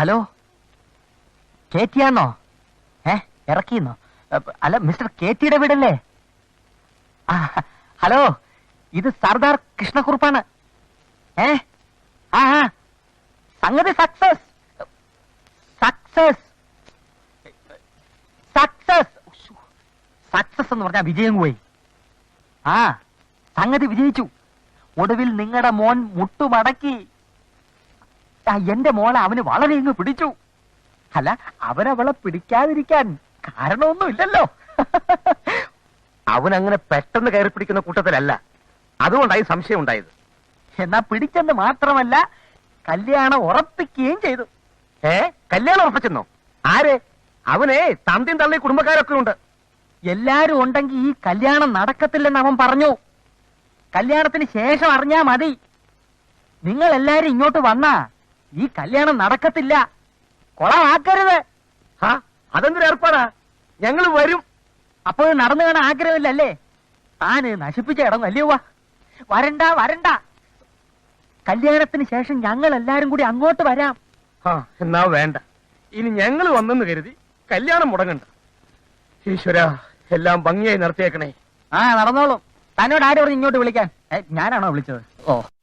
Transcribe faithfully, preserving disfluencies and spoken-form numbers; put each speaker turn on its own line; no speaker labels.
Hello, കേറ്റിയാന്നോ? ഏ ഇറക്കിന്നോ? അല്ല, mister കേറ്റിയുടെ വീടല്ലേ? ഹലോ, ഇത് സർദാർ കൃഷ്ണക്കുറുപ്പാണ്. ഏ ആ സംഗതി സക്സസ് സക്സസ് സക്സസ് സക്സസ് എന്ന് പറഞ്ഞാൽ വിജയം പോയി. ആ സംഗതി വിജയിച്ചു. ഒടുവിൽ നിങ്ങളുടെ മോൻ മുട്ടുമടക്കി. എന്റെ മോളെ അവന് വളരെ ഇങ്ങ് പിടിച്ചു. അല്ല, അവനവളെ പിടിക്കാതിരിക്കാൻ കാരണമൊന്നും ഇല്ലല്ലോ.
അവനങ്ങനെ പെട്ടെന്ന് കയറി പിടിക്കുന്ന കൂട്ടത്തിലല്ല, അതുകൊണ്ടായി സംശയം ഉണ്ടായത്.
എന്നാ പിടിച്ചെന്ന് മാത്രമല്ല, കല്യാണം ഉറപ്പിക്കുകയും ചെയ്തു.
ഏ കല്യാണം ഉറപ്പിച്ചെന്നോ? ആരെ? അവനെ തന്തിയും തള്ളി കുടുംബക്കാരൊക്കെ ഉണ്ട്.
എല്ലാരും ഉണ്ടെങ്കിൽ ഈ കല്യാണം നടക്കത്തില്ലെന്ന് അവൻ പറഞ്ഞു. കല്യാണത്തിന് ശേഷം അറിഞ്ഞാ മതി. നിങ്ങൾ എല്ലാരും ഇങ്ങോട്ട് വന്നാ ഈ കല്യാണം നടക്കത്തില്ല. കൊളമാക്കരുത്.
ഹാ, അതെന്തൊരു ഏർപ്പാടാ? ഞങ്ങൾ വരും.
അപ്പോൾ നടന്നു കാണാൻ ആഗ്രഹമില്ലല്ലേ? താന് നശിപ്പിച്ച ഇടം അല്ലയോ? വരണ്ട വരണ്ട. കല്യാണത്തിന് ശേഷം ഞങ്ങൾ എല്ലാരും കൂടി അങ്ങോട്ട് വരാം.
ആ എന്നാ വേണ്ട. ഇനി ഞങ്ങൾ വന്നെന്ന് കരുതി കല്യാണം മുടങ്ങണ്ട. ഈശ്വര, എല്ലാം ഭംഗിയായി നടത്തിയേക്കണേ.
ആ നടന്നോളും. തന്നോട് ആരും പറഞ്ഞ് ഇങ്ങോട്ട് വിളിക്കാൻ? ഞാനാണോ വിളിച്ചത്? ഓ